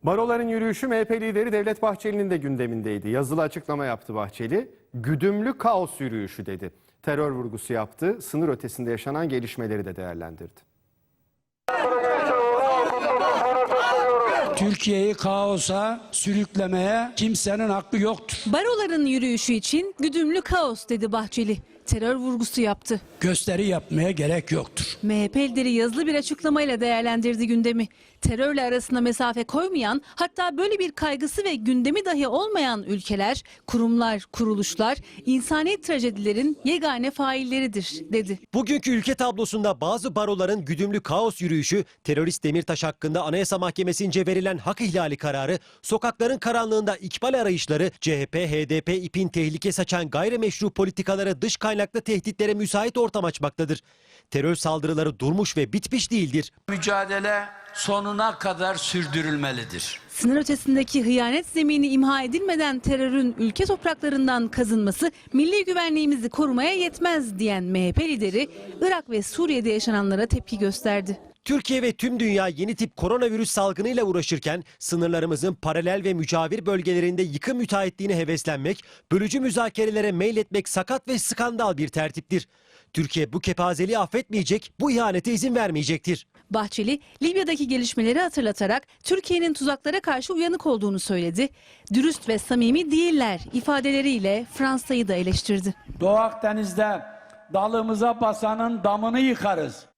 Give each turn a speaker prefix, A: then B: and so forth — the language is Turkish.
A: Baroların yürüyüşü MHP lideri Devlet Bahçeli'nin de gündemindeydi. Yazılı açıklama yaptı Bahçeli. Güdümlü kaos yürüyüşü dedi. Terör vurgusu yaptı. Sınır ötesinde yaşanan gelişmeleri de değerlendirdi.
B: Türkiye'yi kaosa sürüklemeye kimsenin hakkı yoktur.
C: Baroların yürüyüşü için güdümlü kaos dedi Bahçeli. Terör vurgusu yaptı.
B: Gösteri yapmaya gerek yoktur.
C: MHP lideri yazılı bir açıklamayla değerlendirdi gündemi. Terörle arasına mesafe koymayan, hatta böyle bir kaygısı ve gündemi dahi olmayan ülkeler, kurumlar, kuruluşlar insani trajedilerin yegane failleridir dedi.
D: Bugünkü ülke tablosunda bazı baroların güdümlü kaos yürüyüşü, terörist Demirtaş hakkında Anayasa Mahkemesi'nce verilen hak ihlali kararı, sokakların karanlığında ikbal arayışları, CHP, HDP ipin tehlike saçan gayrimeşru politikalara, dış kaynaklı tehditlere müsait ortam açmaktadır. Terör saldırıları durmuş ve bitmiş değildir.
E: Mücadele sonuna kadar sürdürülmelidir.
C: Sınır ötesindeki hıyanet zemini imha edilmeden terörün ülke topraklarından kazınması milli güvenliğimizi korumaya yetmez diyen MHP lideri Irak ve Suriye'de yaşananlara tepki gösterdi.
D: Türkiye ve tüm dünya yeni tip koronavirüs salgınıyla uğraşırken sınırlarımızın paralel ve mücavir bölgelerinde yıkım müteahhitliğine heveslenmek, bölücü müzakerelere meyletmek sakat ve skandal bir tertiptir. Türkiye bu kepazeliği affetmeyecek, bu ihanete izin vermeyecektir.
C: Bahçeli, Libya'daki gelişmeleri hatırlatarak Türkiye'nin tuzaklara karşı uyanık olduğunu söyledi. Dürüst ve samimi değiller ifadeleriyle Fransa'yı da eleştirdi.
F: Doğu Akdeniz'de dalımıza basanın damını yıkarız.